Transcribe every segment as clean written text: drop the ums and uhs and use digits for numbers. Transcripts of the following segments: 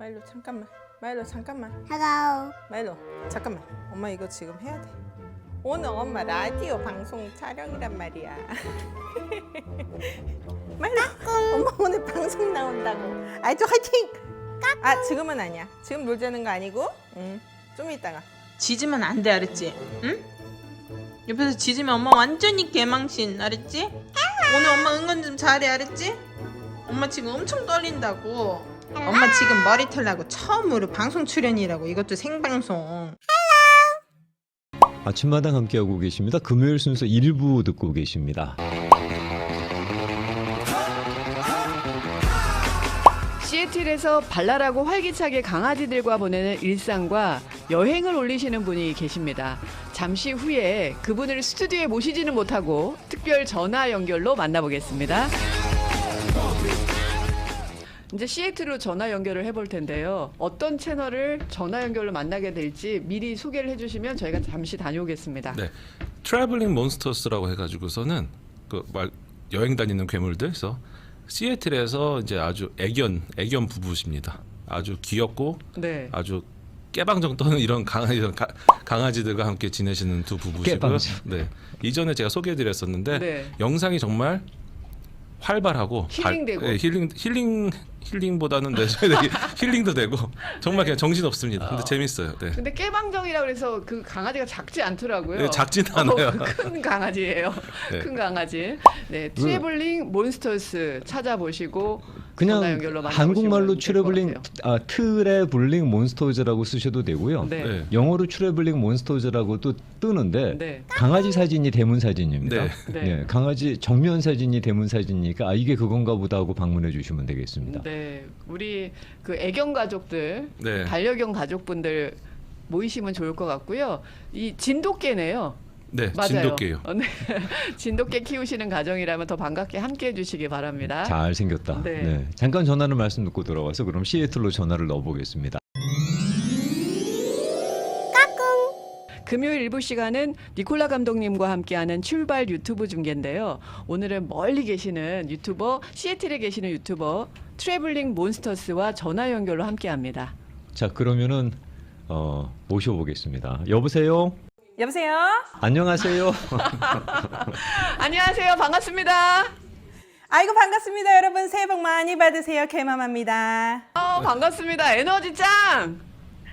마일로 잠깐만. 마일로 잠깐만. Hello. 마일로 잠깐만. 엄마 이거 지금 해야 돼. 오늘 엄마 라디오 방송 촬영이란 말이야. 마일로 엄마 오늘 방송 나온다고. 아이도 화이팅. 아 지금은 아니야. 지금 놀자는 거 아니고. 좀 이따가. 짖으면 안 돼, 알았지? 응? 옆에서 짖으면 엄마 완전히 개망신, 알았지? 오늘 엄마 응원 좀 잘해, 알았지? 엄마 지금 엄청 떨린다고. 엄마 지금 머리 털라고 처음으로 방송 출연이라고. 이것도 생방송. 아침마당 함께하고 계십니다. 금요일 순서 1부 듣고 계십니다. 시애틀에서 발랄하고 활기차게 강아지들과 보내는 일상과 여행을 올리시는 분이 계십니다. 잠시 후에 그분을 스튜디오에 모시지는 못하고 특별 전화 연결로 만나보겠습니다. 이제 시애틀로 전화 연결을 해볼 텐데요. 어떤 채널을 전화 연결로 만나게 될지 미리 소개를 해주시면 저희가 잠시 다녀오겠습니다. 네, 트래블링 몬스터스라고 해가지고서는 여행 다니는 괴물들에서 시애틀에서 이제 아주 애견 부부십니다. 아주 귀엽고 네. 아주 깨방정 떠는 이런 강아지들과 함께 지내시는 두 부부시고요. 깨방정. 네, 이전에 제가 소개해드렸었는데 네. 영상이 정말 활발하고 힐링되고. 힐링보다는 힐링도 되고 정말 그냥 정신 없습니다. 근데 재밌어요. 네. 근데 깨방정이라고 해서 그 강아지가 작지 않더라고요. 네, 작지는 않아요. 큰 강아지예요. 네. 큰 강아지. 네, 트래블링 몬스터스 찾아보시고 전화 그냥 연결로 한국말로 트래블링 트래블링 몬스터즈라고 쓰셔도 되고요. 네. 네. 영어로 트래블링 몬스터즈라고도 뜨는데 네. 강아지 사진이 대문 사진입니다. 네. 네. 예, 강아지 정면 사진이 대문 사진이니까 아 이게 그건가 보다 하고 방문해 주시면 되겠습니다. 네, 우리 그 애견 가족들, 네. 반려견 가족분들 모이시면 좋을 것 같고요. 이 진돗개네요. 네, 맞아요. 진돗개요. 네. 진돗개 키우시는 가정이라면 더 반갑게 함께해 주시기 바랍니다. 잘 생겼다. 네. 네. 잠깐 전화를 말씀 듣고 돌아와서 그럼 시애틀로 전화를 넣어보겠습니다. 금요일 일부 시간은 니콜라 감독님과 함께하는 출발 유튜브 중계인데요. 오늘은 멀리 계시는 유튜버, 시애틀에 계시는 유튜버 트래블링 몬스터스와 전화 연결로 함께합니다. 자 그러면은 모셔보겠습니다. 여보세요. 여보세요. 안녕하세요. 안녕하세요. 반갑습니다. 아이고 반갑습니다 여러분. 새해 복 많이 받으세요. 개맘합니다. 반갑습니다. 에너지 짱!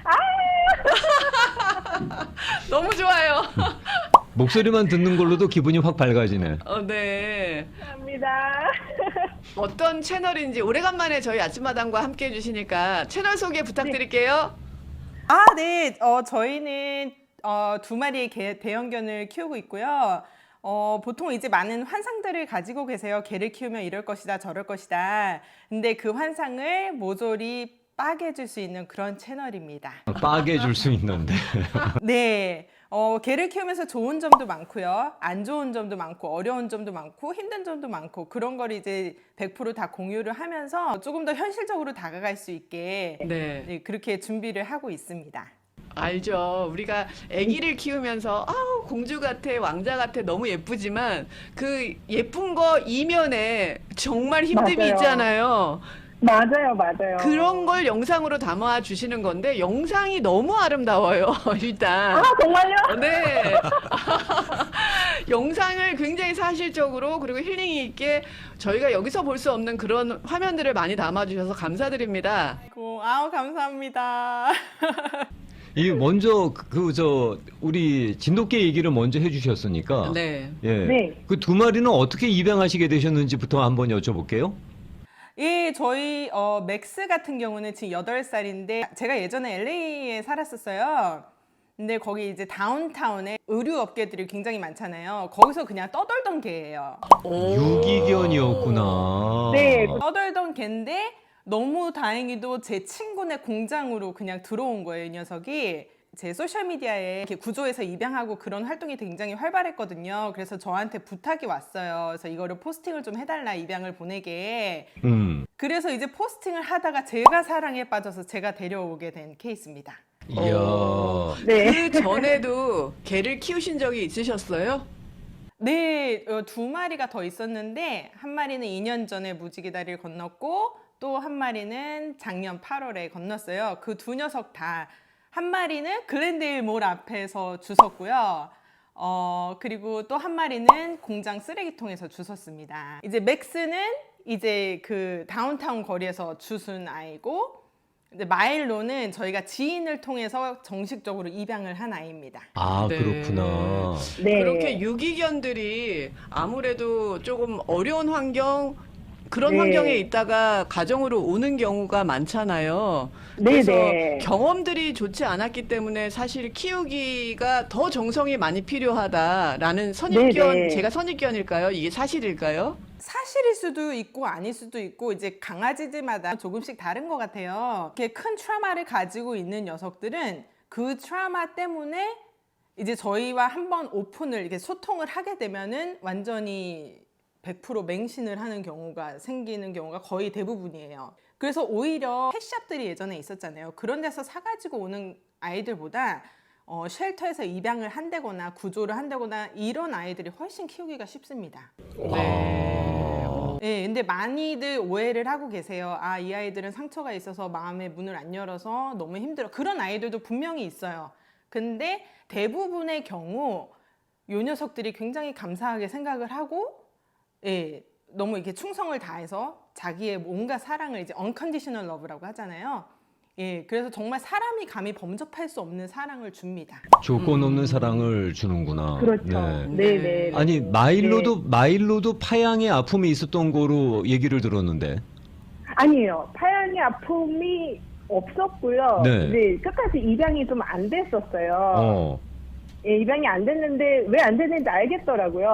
너무 좋아요. 목소리만 듣는 걸로도 기분이 확 밝아지네. 네. 감사합니다. 어떤 채널인지 오래간만에 저희 아침마당과 함께 해주시니까 채널 소개 부탁드릴게요. 아, 네. 저희는 두 마리의 대형견을 키우고 있고요. 보통 이제 많은 환상들을 가지고 계세요. 개를 키우면 이럴 것이다, 저럴 것이다. 근데 그 환상을 모조리 빠개줄 수 있는 그런 채널입니다. 빠게 줄 수 있는데. 네. 개를 키우면서 좋은 점도 많고요. 안 좋은 점도 많고, 어려운 점도 많고, 힘든 점도 많고, 그런 걸 이제 100%다 공유를 하면서 조금 더 현실적으로 다가갈 수 있게 네. 그렇게 준비를 하고 있습니다. 알죠. 우리가 아기를 키우면서 아우 공주 같아, 왕자 같아 너무 예쁘지만 그 예쁜 거 이면에 정말 힘듦이 맞아요. 있잖아요. 맞아요. 그런 걸 영상으로 담아 주시는 건데 영상이 너무 아름다워요. 일단. 아, 정말요? 네. 영상을 굉장히 사실적으로 그리고 힐링이 있게 저희가 여기서 볼 수 없는 그런 화면들을 많이 담아 주셔서 감사드립니다. 아우, 감사합니다. 이 먼저 우리 진돗개 얘기를 먼저 해주셨으니까. 네. 예. 네. 그 두 마리는 어떻게 입양하시게 되셨는지부터 한번 여쭤볼게요. 예, 저희 맥스 같은 경우는 지금 8살인데 제가 예전에 LA에 살았었어요. 근데 거기 이제 다운타운에 의류 업계들이 굉장히 많잖아요. 거기서 그냥 떠돌던 개예요. 유기견이었구나. 네. 떠돌던 개인데 너무 다행히도 제 친구네 공장으로 그냥 들어온 거예요, 이 녀석이. 제 소셜미디어에 이렇게 구조해서 입양하고 그런 활동이 굉장히 활발했거든요. 그래서 저한테 부탁이 왔어요. 그래서 이거를 포스팅을 좀 해달라, 입양을 보내게. 그래서 이제 포스팅을 하다가 제가 사랑에 빠져서 제가 데려오게 된 케이스입니다. 이야. 네. 그 전에도 개를 키우신 적이 있으셨어요? 네, 두 마리가 더 있었는데 한 마리는 2년 전에 무지개 다리를 건넜고 또 한 마리는 작년 8월에 건넜어요. 그 두 녀석 다 한 마리는 글렌데일 몰 앞에서 주웠고요. 그리고 또 한 마리는 공장 쓰레기통에서 주웠습니다. 이제 맥스는 이제 그 다운타운 거리에서 주순 아이고, 이제 마일로는 저희가 지인을 통해서 정식적으로 입양을 한 아이입니다. 아, 네. 그렇구나. 네. 그렇게 유기견들이 아무래도 조금 어려운 환경 그런 네. 환경에 있다가 가정으로 오는 경우가 많잖아요. 네, 그래서 네. 경험들이 좋지 않았기 때문에 사실 키우기가 더 정성이 많이 필요하다라는 선입견, 네, 네. 제가 선입견일까요? 이게 사실일까요? 사실일 수도 있고 아닐 수도 있고 이제 강아지들마다 조금씩 다른 것 같아요. 이렇게 큰 트라우마를 가지고 있는 녀석들은 그 트라우마 때문에 이제 저희와 한번 오픈을 이렇게 소통을 하게 되면은 완전히 100% 맹신을 하는 경우가 생기는 경우가 거의 대부분이에요. 그래서 오히려 펫샵들이 예전에 있었잖아요. 그런 데서 사가지고 오는 아이들보다 쉘터에서 입양을 한다거나 구조를 한다거나 이런 아이들이 훨씬 키우기가 쉽습니다. 네, 근데 많이들 오해를 하고 계세요. 아, 이 아이들은 상처가 있어서 마음의 문을 안 열어서 너무 힘들어. 그런 아이들도 분명히 있어요. 근데 대부분의 경우 요 녀석들이 굉장히 감사하게 생각을 하고, 예, 너무 이렇게 충성을 다해서 자기의 온갖 사랑을 이제 unconditional love라고 하잖아요. 예, 그래서 정말 사람이 감히 범접할 수 없는 사랑을 줍니다. 조건 없는 사랑을 주는구나. 그렇죠. 네. 네, 네. 아니, 마일로도 파양의 아픔이 있었던 거로 얘기를 들었는데. 아니에요. 파양의 아픔이 없었고요. 네. 네, 끝까지 입양이 좀 안 됐었어요. 예, 입양이 안 됐는데 왜 안 됐는지 알겠더라고요.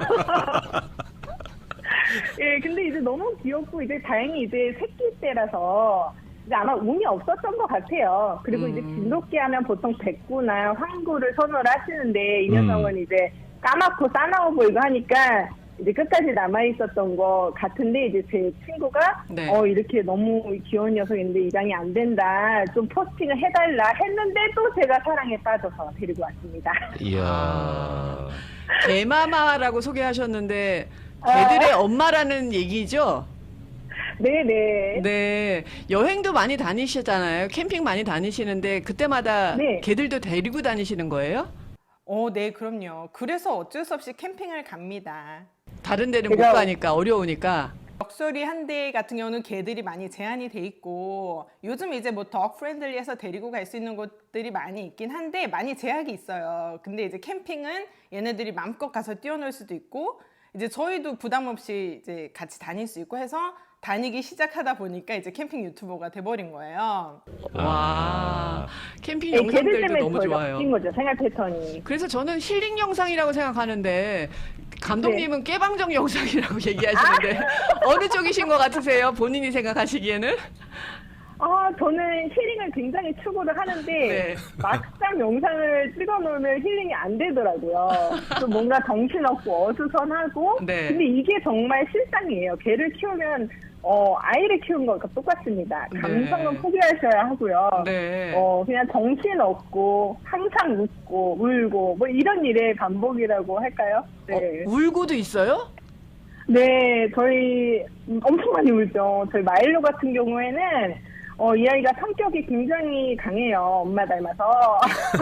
예, 근데 이제 너무 귀엽고 이제 다행히 이제 새끼 때라서 이제 아마 운이 없었던 것 같아요. 그리고 이제 진돗개 하면 보통 백구나 황구를 선호를 하시는데 이 녀석은 이제 까맣고 싸나워 보이고 하니까 이제 끝까지 남아 있었던 것 같은데 이제 제 친구가 네. 이렇게 너무 귀여운 녀석인데 입양이 안 된다, 좀 포스팅을 해달라 했는데 또 제가 사랑에 빠져서 데리고 왔습니다. 이야. 개마마라고 소개하셨는데 개들의 엄마라는 얘기죠? 네네. 네. 여행도 많이 다니시잖아요. 캠핑 많이 다니시는데 그때마다 네. 개들도 데리고 다니시는 거예요? 네, 그럼요. 그래서 어쩔 수 없이 캠핑을 갑니다. 다른 데는 제가- 못 가니까 어려우니까. 럭셔리 한 대 같은 경우는 개들이 많이 제한이 돼 있고, 요즘 이제 뭐 덕 프렌들리해서 데리고 갈 수 있는 곳들이 많이 있긴 한데 많이 제약이 있어요. 근데 이제 캠핑은 얘네들이 마음껏 가서 뛰어놀 수도 있고, 이제 저희도 부담 없이 이제 같이 다닐 수 있고 해서 다니기 시작하다 보니까 이제 캠핑 유튜버가 돼버린 거예요. 와. 캠핑 네, 걔들 영상들도 때문에 너무 저희가 좋아요. 바뀐 거죠, 생활 패턴이. 그래서 저는 힐링 영상이라고 생각하는데 감독님은 깨방정 영상이라고 얘기하시는데 어느 쪽이신 것 같으세요? 본인이 생각하시기에는? 저는 힐링을 굉장히 추구를 하는데 네. 막상 영상을 찍어놓으면 힐링이 안 되더라고요. 좀 뭔가 정신없고 어수선하고. 네. 근데 이게 정말 실상이에요. 개를 키우면 아이를 키우는 것과 똑같습니다. 감성은 네. 포기하셔야 하고요. 네. 그냥 정신없고 항상 웃고 울고 뭐 이런 일의 반복이라고 할까요? 네. 울고도 있어요? 네, 저희 엄청 많이 울죠. 저희 마일로 같은 경우에는 이 아이가 성격이 굉장히 강해요. 엄마 닮아서.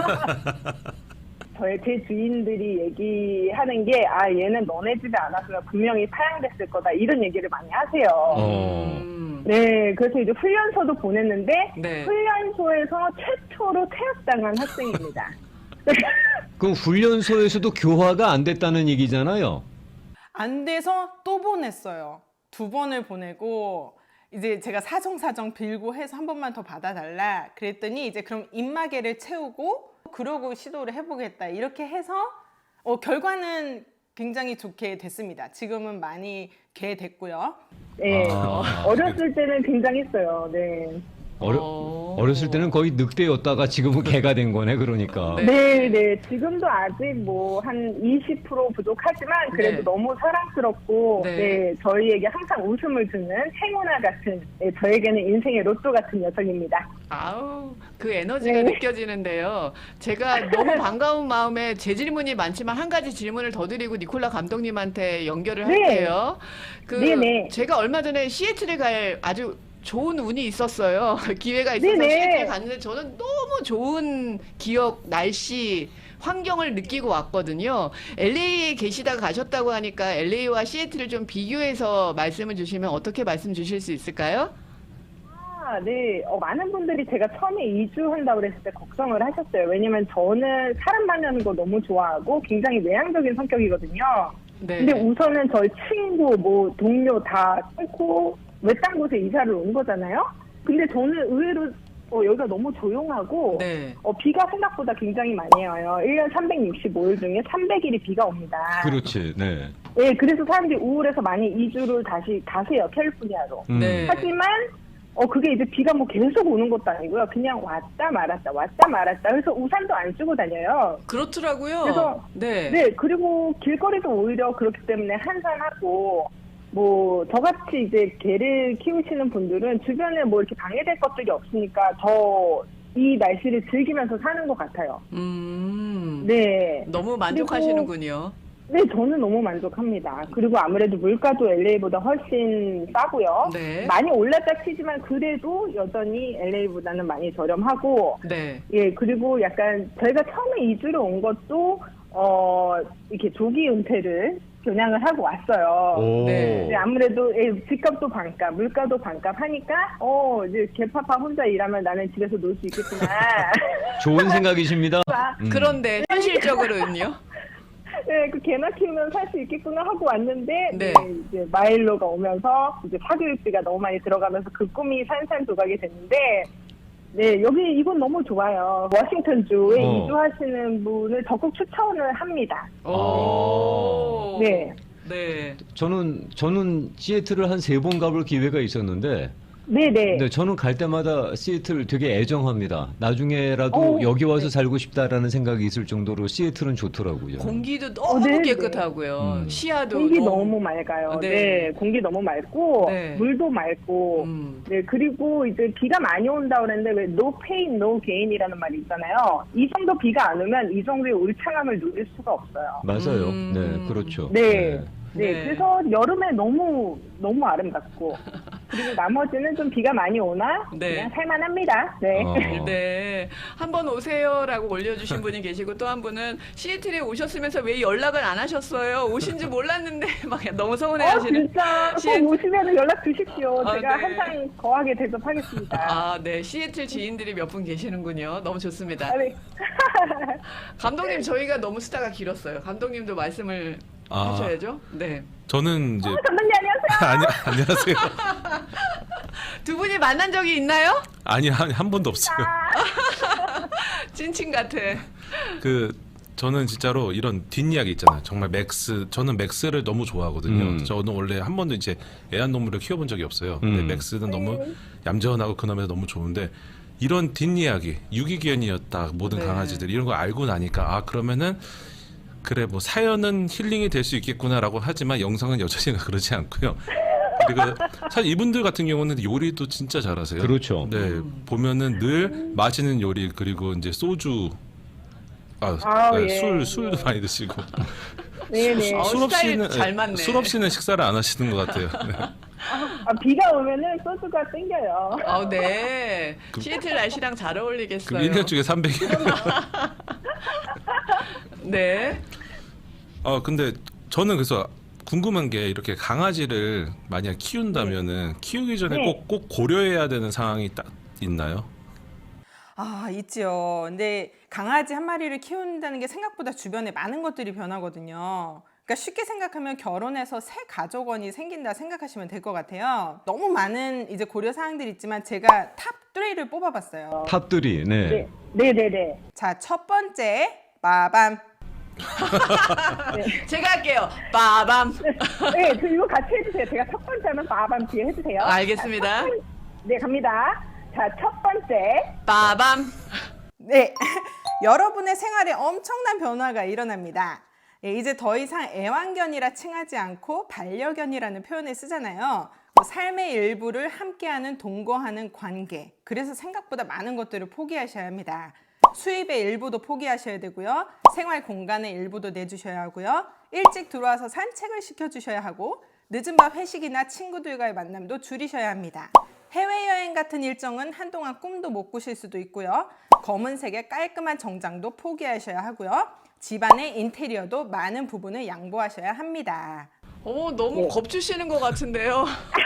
제 주인들이 얘기하는 게 얘는 너네 집에 안 왔으면 분명히 파양됐을 거다, 이런 얘기를 많이 하세요. 네, 그래서 이제 훈련소도 보냈는데 네. 훈련소에서 최초로 퇴학당한 학생입니다. 그럼 훈련소에서도 교화가 안 됐다는 얘기잖아요. 안 돼서 또 보냈어요. 2번을 보내고, 이제 제가 사정 빌고 해서 한 번만 더 받아달라 그랬더니 이제 그럼 입마개를 채우고 그러고 시도를 해보겠다 이렇게 해서 결과는 굉장히 좋게 됐습니다. 지금은 많이 개 됐고요. 네, 어렸을 때는 굉장했어요. 네. 어렸을 때는 거의 늑대였다가 지금은 개가 된 거네, 그러니까. 네, 네. 지금도 아직 뭐 한 20% 부족하지만 그래도 네. 너무 사랑스럽고 네. 네, 저희에게 항상 웃음을 주는 행운아 같은, 저에게는 인생의 로또 같은 녀석입니다. 아우, 그 에너지가 네. 느껴지는데요. 제가 너무 반가운 마음에 제 질문이 많지만 한 가지 질문을 더 드리고 니콜라 감독님한테 연결을 네. 할게요. 네, 네. 제가 얼마 전에 시애틀에 갈 아주 좋은 운이 있었어요. 기회가 있어서 네네. 시애틀에 갔는데 저는 너무 좋은 기억, 날씨, 환경을 느끼고 왔거든요. LA에 계시다가 가셨다고 하니까 LA와 시애틀을 좀 비교해서 말씀을 주시면 어떻게 말씀 주실 수 있을까요? 아, 네. 많은 분들이 제가 처음에 이주한다고 그랬을 때 걱정을 하셨어요. 왜냐면 저는 사람 만나는 거 너무 좋아하고 굉장히 외향적인 성격이거든요. 네. 근데 우선은 저희 친구, 뭐 동료 다 끊고 외딴 곳에 이사를 온 거잖아요. 근데 저는 의외로 여기가 너무 조용하고 네. 비가 생각보다 굉장히 많이 와요. 1년 365일 중에 300일이 비가 옵니다. 그렇지. 네. 네, 그래서 사람들이 우울해서 많이 이주를 다시 가세요. 캘리포니아로. 네. 하지만 그게 이제 비가 뭐 계속 오는 것도 아니고요. 그냥 왔다 말았다 왔다 말았다. 그래서 우산도 안 쓰고 다녀요. 그렇더라고요. 그래서 네, 그리고 길거리도 오히려 그렇기 때문에 한산하고 뭐 저같이 이제 개를 키우시는 분들은 주변에 뭐 이렇게 방해될 것들이 없으니까 더 이 날씨를 즐기면서 사는 것 같아요. 네. 너무 만족하시는군요. 네, 저는 너무 만족합니다. 그리고 아무래도 물가도 LA보다 훨씬 싸고요. 네. 많이 올랐다 치지만 그래도 여전히 LA보다는 많이 저렴하고, 네. 예, 그리고 약간 저희가 처음에 이주를 온 것도 이렇게 조기 은퇴를 겨냥을 하고 왔어요. 오. 네. 네, 아무래도 집값도 반값, 물가도 반값 하니까 이제 개파파 혼자 일하면 나는 집에서 놀 수 있겠구나. 좋은 생각이십니다. 그런데 현실적으로는요? 네, 그 개나 키우면 살 수 있겠구나 하고 왔는데, 네. 이제 마일로가 오면서 이제 사교육비가 너무 많이 들어가면서 그 꿈이 산산조각이 됐는데, 네, 여기 이곳 너무 좋아요. 워싱턴주에 이주하시는 분을 적극 추천을 합니다. 오. 네. 네. 저는 시애틀을 한 3번 가볼 기회가 있었는데 네네. 네, 저는 갈 때마다 시애틀 되게 애정합니다. 나중에라도 여기 와서 살고 싶다라는 생각이 있을 정도로 시애틀은 좋더라고요. 공기도 너무 네, 깨끗하고요. 시야도 공기 너무 맑아요. 네. 네. 공기 너무 맑고, 네. 물도 맑고, 네, 그리고 이제 비가 많이 온다 그랬는데 왜 no pain, no gain이라는 말이 있잖아요. 이 정도 비가 안 오면 이 정도의 울창함을 누릴 수가 없어요. 맞아요. 네, 그렇죠. 네. 네, 네. 그래서 여름에 너무 아름답고 그리고 나머지는 좀 비가 많이 오나 네. 그냥 살만합니다. 네. 네. 한번 오세요라고 올려주신 분이 계시고 또 한 분은 시애틀에 오셨으면서 왜 연락을 안 하셨어요? 오신 줄 몰랐는데 막 너무 서운해하시는. 진짜 시애- 꼭 오시면 연락 주십시오. 아, 제가 네. 항상 거하게 대접하겠습니다. 아, 네. 시애틀 지인들이 몇 분 계시는군요. 너무 좋습니다. 아, 네. 감독님 저희가 너무 수다가 길었어요. 감독님도 말씀을 아. 하셔야죠. 네. 저는 이제 감독님 안녕하세요. 안녕하세요. 두 분이 만난 적이 있나요? 아니 한 번도 없어요. 찐친 같아. 저는 진짜로 이런 뒷이야기 있잖아요. 정말 저는 맥스를 너무 좋아하거든요. 저는 원래 한 번도 이제 애완동물을 키워본 적이 없어요. 근데 맥스는 너무 얌전하고 그놈에서 너무 좋은데 이런 뒷이야기, 유기견이었다 모든 네. 강아지들 이런 거 알고 나니까 그러면은 그래 뭐 사연은 힐링이 될 수 있겠구나라고 하지만 영상은 여전히 그러지 않고요. 그리고 사실 이분들 같은 경우는 요리도 진짜 잘하세요. 그렇죠. 네, 보면은 늘 맛있는 요리 그리고 이제 소주, 예. 술도 많이 드시고 네네. 술 스타일 잘 맞네. 술 없이는 식사를 안 하시는 것 같아요. 네. 비가 오면은 소주가 땡겨요. 네. 시애틀 날씨랑 잘 어울리겠어요. 그럼 1년 중에 300일. 네. 근데 저는 그래서 궁금한 게 이렇게 강아지를 만약 키운다면은 키우기 전에 네. 꼭 고려해야 되는 상황이 딱 있나요? 있지요. 근데 강아지 한 마리를 키운다는 게 생각보다 주변에 많은 것들이 변하거든요. 그러니까 쉽게 생각하면 결혼해서 새 가족원이 생긴다 생각하시면 될 것 같아요. 너무 많은 이제 고려 사항들이 있지만 제가 탑 3를 뽑아봤어요. 탑들이 네. 네네네. 자, 첫 번째, 빠밤. 제가 할게요. 빠밤. 네, 이거 같이 해주세요. 제가 첫 번째 하면 빠밤 뒤에 해주세요. 알겠습니다. 네, 갑니다. 자, 첫 번째. 빠밤. 네, 여러분의 생활에 엄청난 변화가 일어납니다. 예, 이제 더 이상 애완견이라 칭하지 않고 반려견이라는 표현을 쓰잖아요. 삶의 일부를 함께하는 동거하는 관계. 그래서 생각보다 많은 것들을 포기하셔야 합니다. 수입의 일부도 포기하셔야 되고요. 생활 공간의 일부도 내주셔야 하고요. 일찍 들어와서 산책을 시켜주셔야 하고 늦은 밤 회식이나 친구들과의 만남도 줄이셔야 합니다. 해외여행 같은 일정은 한동안 꿈도 못 꾸실 수도 있고요. 검은색의 깔끔한 정장도 포기하셔야 하고요. 집안의 인테리어도 많은 부분을 양보하셔야 합니다. 너무 겁주시는 것 같은데요.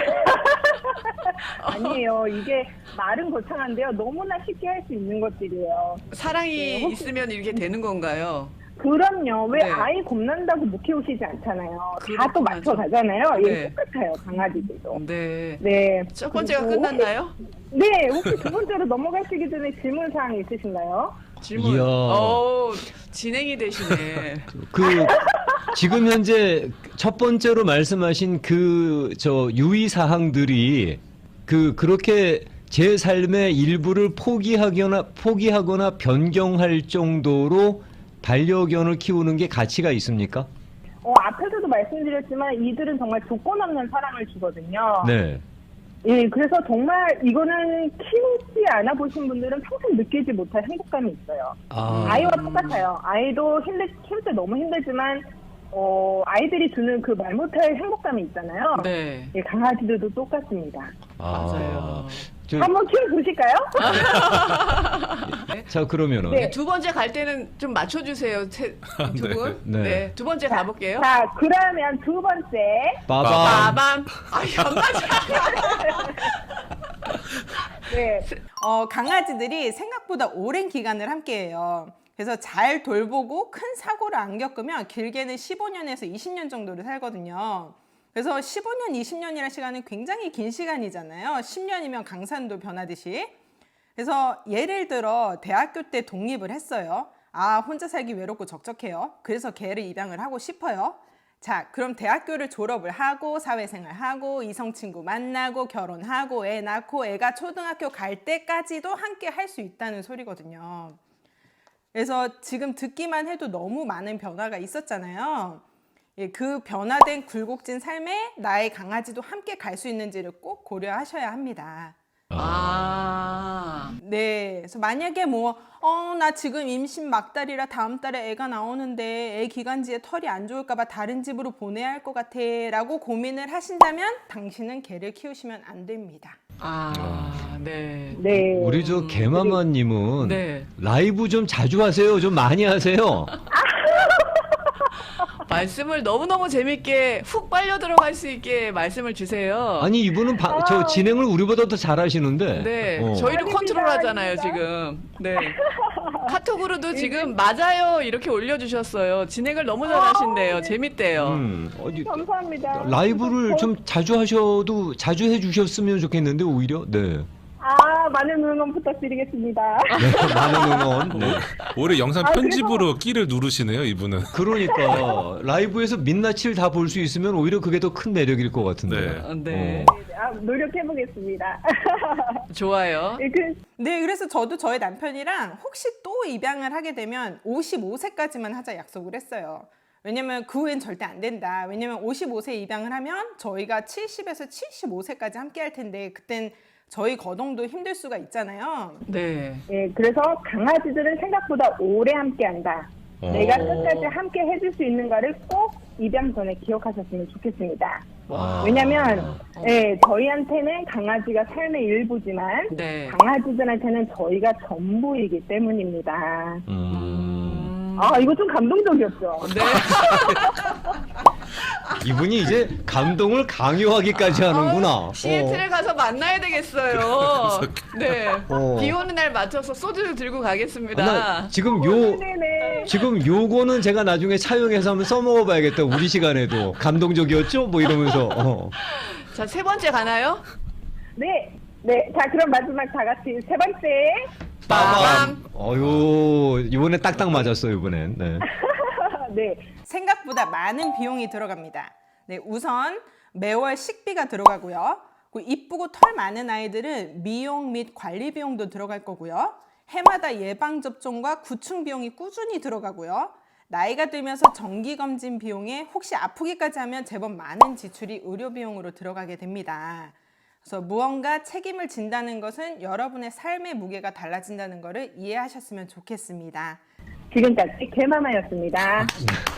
아니에요. 이게 말은 거창한데요. 너무나 쉽게 할 수 있는 것들이에요. 사랑이 있으면 이렇게 되는 건가요? 그럼요. 왜 네. 아이 겁난다고 못 키우시지 않잖아요. 다 그렇구나, 또 맞춰 가잖아요. 네. 예, 똑같아요. 강아지들도. 네. 네. 첫 번째가 그리고 끝났나요? 네. 혹시 두 번째로 넘어가시기 전에 질문 사항 있으신가요? 질문. 이야. 진행이 되시네. 그 지금 현재 첫 번째로 말씀하신 그 유의 사항들이 그렇게 제 삶의 일부를 포기하거나 변경할 정도로 반려견을 키우는 게 가치가 있습니까? 앞에서도 말씀드렸지만 이들은 정말 조건 없는 사랑을 주거든요. 네. 예, 그래서 정말 이거는 키우지 않아 보신 분들은 평생 느끼지 못할 행복감이 있어요. 아이와 똑같아요. 아이도 키울 때 너무 힘들지만 아이들이 주는 그 말 못할 행복감이 있잖아요. 네. 예, 강아지들도 똑같습니다. 맞아요. 한번 키워보실까요? 자, 그러면은 네. 두 번째 갈 때는 좀 맞춰주세요. 두 분. 네. 네. 두 번째 가볼게요. 자, 그러면 두 번째. 빠밤. 빠밤. 안 맞아. 네. 강아지들이 생각보다 오랜 기간을 함께해요. 그래서 잘 돌보고 큰 사고를 안 겪으면 길게는 15년에서 20년 정도를 살거든요. 그래서 15년, 20년이라는 시간은 굉장히 긴 시간이잖아요. 10년이면 강산도 변하듯이. 그래서 예를 들어 대학교 때 독립을 했어요. 혼자 살기 외롭고 적적해요. 그래서 개를 입양을 하고 싶어요. 자, 그럼 대학교를 졸업을 하고 사회생활하고 이성 친구 만나고 결혼하고 애 낳고 애가 초등학교 갈 때까지도 함께 할 수 있다는 소리거든요. 그래서 지금 듣기만 해도 너무 많은 변화가 있었잖아요. 그 변화된 굴곡진 삶에 나의 강아지도 함께 갈 수 있는지를 꼭 고려하셔야 합니다. 네, 그래서 만약에 나 지금 임신 막달이라 다음 달에 애가 나오는데 애 기관지에 털이 안 좋을까봐 다른 집으로 보내야 할 것 같아 라고 고민을 하신다면 당신은 개를 키우시면 안 됩니다. 네. 네. 우리 개마마님은 네. 라이브 좀 자주 하세요. 좀 많이 하세요. 말씀을 너무너무 재밌게 훅 빨려 들어갈 수 있게 말씀을 주세요. 아니 이분은 진행을 우리보다 더 잘하시는데. 네, 아닙니다, 저희를 컨트롤 하잖아요, 지금. 네. 카톡으로도 지금 맞아요 이렇게 올려주셨어요. 진행을 너무 잘하신대요. 재밌대요. 감사합니다. 라이브를 좀 자주 해주셨으면 좋겠는데 오히려. 네. 많은 응원 부탁드리겠습니다. 네, 많은 응원. 네. 올해 영상 편집으로 끼를 누르시네요, 이분은. 그러니까 라이브에서 민낯을 다 볼 수 있으면 오히려 그게 더 큰 매력일 것 같은데. 네. 노력해보겠습니다. 좋아요. 네, 그래서 저도 저희 남편이랑 혹시 또 입양을 하게 되면 55세까지만 하자 약속을 했어요. 왜냐면 그 후엔 절대 안 된다. 왜냐면 55세 입양을 하면 저희가 70에서 75세까지 함께 할 텐데 그땐 저희 거동도 힘들 수가 있잖아요. 네. 예, 그래서 강아지들은 생각보다 오래 함께한다. 내가 끝까지 함께 해줄 수 있는가를 꼭 입양 전에 기억하셨으면 좋겠습니다. 왜냐면 저희한테는 강아지가 삶의 일부지만 네. 강아지들한테는 저희가 전부이기 때문입니다. 이거 좀 감동적이었죠? 네. 이분이 이제 감동을 강요하기까지 하는구나. 시애틀에 가서 만나야 되겠어요. 네. 어. 비 오는 날 맞춰서 소주를 들고 가겠습니다. 나 지금 네네. 지금 요거는 제가 나중에 차용해서 한번 써먹어봐야겠다. 우리 시간에도 감동적이었죠? 뭐 이러면서. 자, 세 번째 가나요? 네. 자, 그럼 마지막 다 같이 세 번째. 빠밤. 이번에 딱딱 맞았어요, 이번엔. 네. 네. 생각보다 많은 비용이 들어갑니다. 네, 우선 매월 식비가 들어가고요. 이쁘고 털 많은 아이들은 미용 및 관리 비용도 들어갈 거고요. 해마다 예방접종과 구충 비용이 꾸준히 들어가고요. 나이가 들면서 정기검진 비용에 혹시 아프기까지 하면 제법 많은 지출이 의료 비용으로 들어가게 됩니다. 그래서 무언가 책임을 진다는 것은 여러분의 삶의 무게가 달라진다는 것을 이해하셨으면 좋겠습니다. 지금까지 개마마였습니다.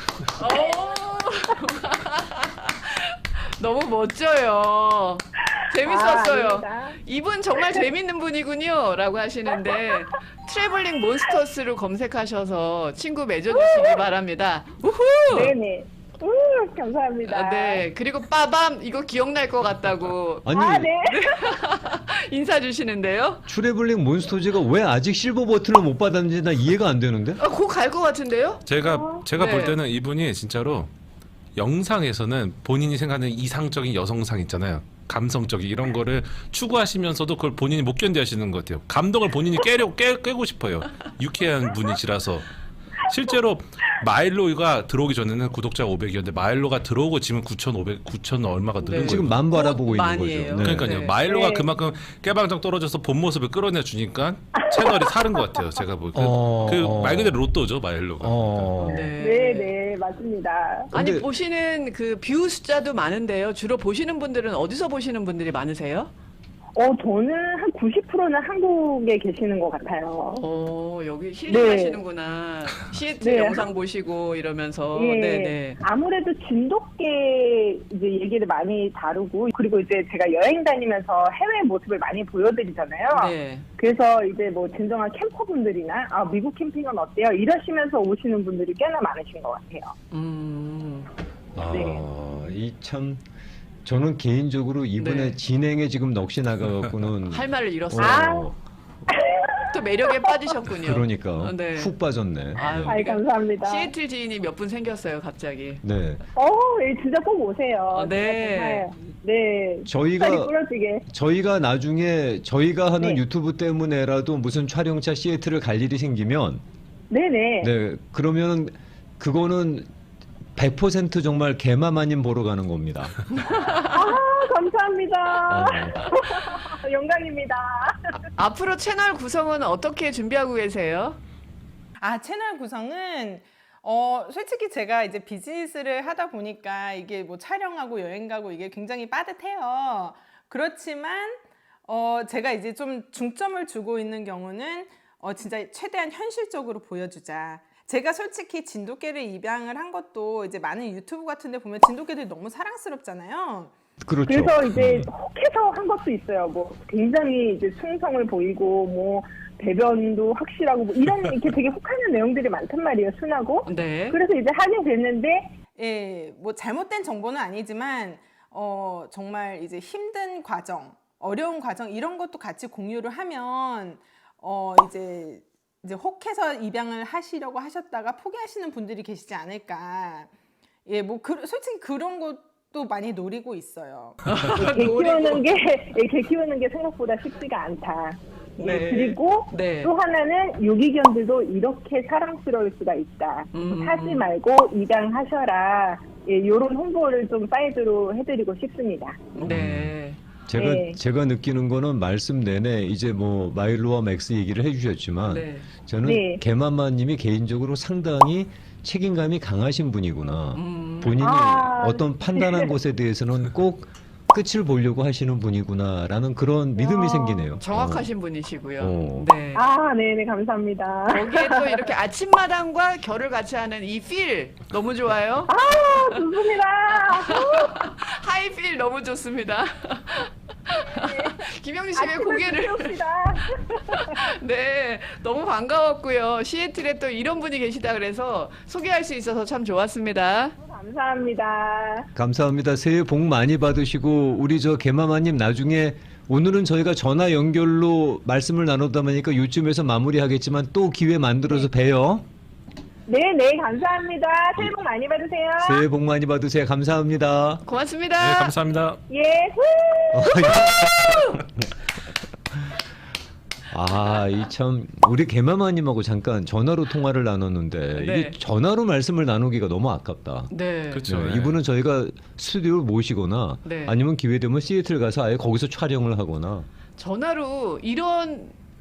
너무 멋져요. 재밌었어요. 아닙니다. 이분 정말 재밌는 분이군요. 라고 하시는데 트래블링 몬스터스로 검색하셔서 친구 맺어주시기 바랍니다. 우후! 네네. 감사합니다. 네. 그리고 빠밤 이거 기억날 것 같다고 아니 아, 네. 인사 주시는데요. 트래블링 몬스터즈가 왜 아직 실버 버튼을 못 받았는지 나 이해가 안 되는데? 곧 갈 것 같은데요? 제가 네. 볼 때는 이분이 진짜로 영상에서는 본인이 생각하는 이상적인 여성상 있잖아요. 감성적인 이런 거를 추구하시면서도 그걸 본인이 못 견디하시는 것 같아요. 감동을 본인이 깨고 싶어요. 유쾌한 분이시라서. 실제로 마일로가 들어오기 전에는 구독자가 500이었는데 마일로가 들어오고 지금 9,500 얼마가 늘은 네. 거예요. 지금 만 바라보고 있는 많이에요. 거죠. 그러니까요. 네. 마일로가 네. 그만큼 깨방정 떨어져서 본 모습을 끌어내 주니까 채널이 사는 것 같아요. 제가 보니까 그 말 그대로 로또죠 마일로가. 네네, 맞습니다. 아니 근데- 보시는 그 뷰 숫자도 많은데요. 주로 보시는 분들은 어디서 보시는 분들이 많으세요? 저는 한 90%는 한국에 계시는 것 같아요. 여기 힐링하시는구나. 시애틀 네. 영상 보시고 이러면서. 예, 네네. 아무래도 진돗개 이제 얘기를 많이 다루고, 그리고 이제 제가 여행 다니면서 해외 모습을 많이 보여드리잖아요. 네. 그래서 이제 뭐 진정한 캠퍼분들이나 미국 캠핑은 어때요? 이러시면서 오시는 분들이 꽤나 많으신 것 같아요. 네. 이 참 저는 개인적으로 이번에 네. 진행에 지금 넋이 나가갖고는 할 말을 잃었어요. 어, 또 매력에 빠지셨군요. 그러니까 네. 훅 빠졌네. 아유, 아이, 감사합니다. 시애틀 지인이 몇 분 생겼어요, 갑자기. 네, 예, 진짜 꼭 오세요. 네. 정말, 네. 저희가 빨리 부러지게. 저희가 나중에 저희가 하는 네. 유튜브 때문에라도 무슨 촬영차 시애틀을 갈 일이 생기면 네네. 네 그러면 그거는 100% 정말 개마마님 보러 가는 겁니다. 감사합니다. 어. 영광입니다. 앞으로 채널 구성은 어떻게 준비하고 계세요? 채널 구성은 솔직히 제가 이제 비즈니스를 하다 보니까 이게 뭐 촬영하고 여행 가고 이게 굉장히 빠듯해요. 그렇지만 제가 이제 좀 중점을 주고 있는 경우는 진짜 최대한 현실적으로 보여주자. 제가 솔직히 진돗개를 입양을 한 것도 이제 많은 유튜브 같은 데 보면 진돗개들이 너무 사랑스럽잖아요. 그렇죠. 그래서 이제 혹해서 한 것도 있어요. 뭐 굉장히 이제 충성을 보이고 뭐 배변도 확실하고 뭐 이런 이렇게 되게 혹하는 내용들이 많단 말이에요. 순하고. 네. 그래서 이제 하게 됐는데 예, 뭐 잘못된 정보는 아니지만 정말 이제 힘든 과정, 어려운 과정 이런 것도 같이 공유를 하면 이제 혹해서 입양을 하시려고 하셨다가 포기하시는 분들이 계시지 않을까. 예, 뭐 솔직히 그런 것도 많이 노리고 있어요. 개 키우는 게 생각보다 쉽지가 않다. 예, 네. 그리고 네. 또 하나는 유기견들도 이렇게 사랑스러울 수가 있다. 사지 말고 입양하셔라. 예, 이런 홍보를 좀 사이드로 해드리고 싶습니다. 네. 제가 느끼는 거는 말씀 내내 이제 뭐 마일로와 맥스 얘기를 해주셨지만 네. 저는 네. 개마마님이 개인적으로 상당히 책임감이 강하신 분이구나. 본인이 어떤 판단한 것에 대해서는 꼭 끝을 보려고 하시는 분이구나라는 그런 믿음이 생기네요. 정확하신 분이시고요. 어. 네. 네네, 감사합니다. 거기에 또 이렇게 아침마당과 결을 같이 하는 이 필 너무 좋아요. 좋습니다. 하이 필 너무 좋습니다. 김영리 씨 왜 고개를 키웁시다. 네 너무 반가웠고요. 시애틀에 또 이런 분이 계시다 그래서 소개할 수 있어서 참 좋았습니다. 감사합니다. 감사합니다. 새해 복 많이 받으시고 우리 저 개마마님 나중에 오늘은 저희가 전화 연결로 말씀을 나누다 보니까 요쯤에서 마무리하겠지만 또 기회 만들어서 봬요. 네네, 감사합니다. 새해 복 많이 받으세요. 새해 복 많이 받으세요. 감사합니다. 고맙습니다. 네, 감사합니다. 예, 이 참 우리 개마마님하고 잠깐 전화로 통화를 나눴는데 네. 이게 전화로 말씀을 나누기가 너무 아깝다. 네. 그렇죠. 네, 네. 이분은 저희가 스튜디오를 모시거나 네. 아니면 기회 되면 시애틀 가서 아예 거기서 촬영을 하거나 전화로 이런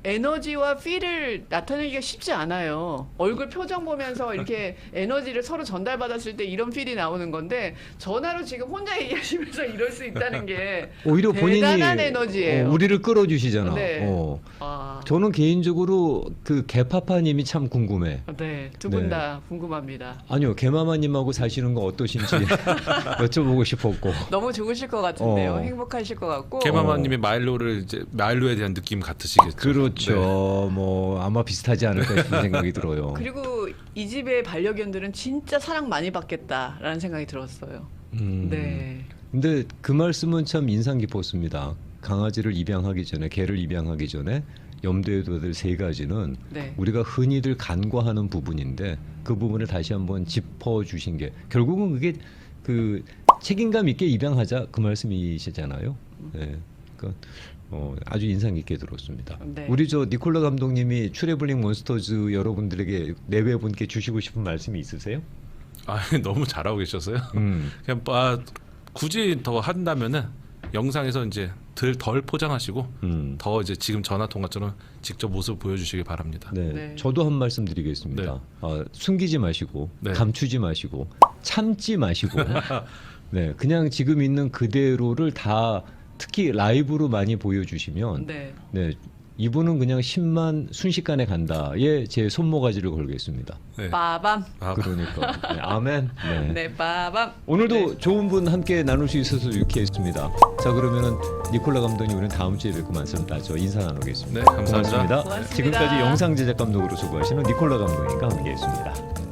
에너지와 필을 나타내기가 쉽지 않아요. 얼굴 표정 보면서 이렇게 에너지를 서로 전달받았을 때 이런 필이 나오는 건데 전화로 지금 혼자 얘기하시면서 이럴 수 있다는 게 오히려 본인이 대단한 에너지예요. 우리를 끌어주시잖아. 네. 어. 저는 개인적으로 그 개파파님이 참 궁금해. 네, 두 분 네. 다 궁금합니다. 아니요, 개마마님하고 사시는 거 어떠신지 여쭤보고 싶었고. 너무 좋으실 것 같은데요. 어. 행복하실 것 같고. 개마마님이 마일로를 이제 마일로에 대한 느낌 같으시겠죠. 그렇죠. 뭐 아마 비슷하지 않을까 싶은 생각이 들어요. 그리고 이 집의 반려견들은 진짜 사랑 많이 받겠다라는 생각이 들었어요. 네. 근데 그 말씀은 참 인상 깊었습니다. 강아지를 입양하기 전에, 개를 입양하기 전에 염두에 둬야 될 세 가지는 네. 우리가 흔히들 간과하는 부분인데 그 부분을 다시 한번 짚어주신 게 결국은 그게 그 책임감 있게 입양하자 그 말씀이시잖아요. 네. 그러니까 아주 인상 깊게 들었습니다. 네. 우리 저 니콜라 감독님이 트래블링 몬스터즈 여러분들에게 내외분께 주시고 싶은 말씀이 있으세요? 아, 너무 잘하고 계셨어요. 음. 그냥 굳이 더 한다면은 영상에서 이제 덜 포장하시고 더 이제 지금 전화 통화처럼 직접 모습 보여주시기 바랍니다. 네. 네. 저도 한 말씀 드리겠습니다. 숨기지 마시고 네. 감추지 마시고 참지 마시고 네, 그냥 지금 있는 그대로를 다 특히 라이브로 많이 보여주시면 네. 네, 이분은 그냥 10만 순식간에 간다에 제 손모가지를 걸겠습니다. 네. 빠밤. 그러니까 네, 아멘. 네. 네, 빠밤. 오늘도 네. 좋은 분 함께 나눌 수 있어서 유쾌했습니다. 자, 그러면은 니콜라 감독님 우리는 다음 주에 뵙고 말씀 따져 인사 나누겠습니다. 네, 감사합니다. 고맙습니다. 고맙습니다. 지금까지 영상 제작 감독으로 수고하시는 니콜라 감독님과 함께했습니다.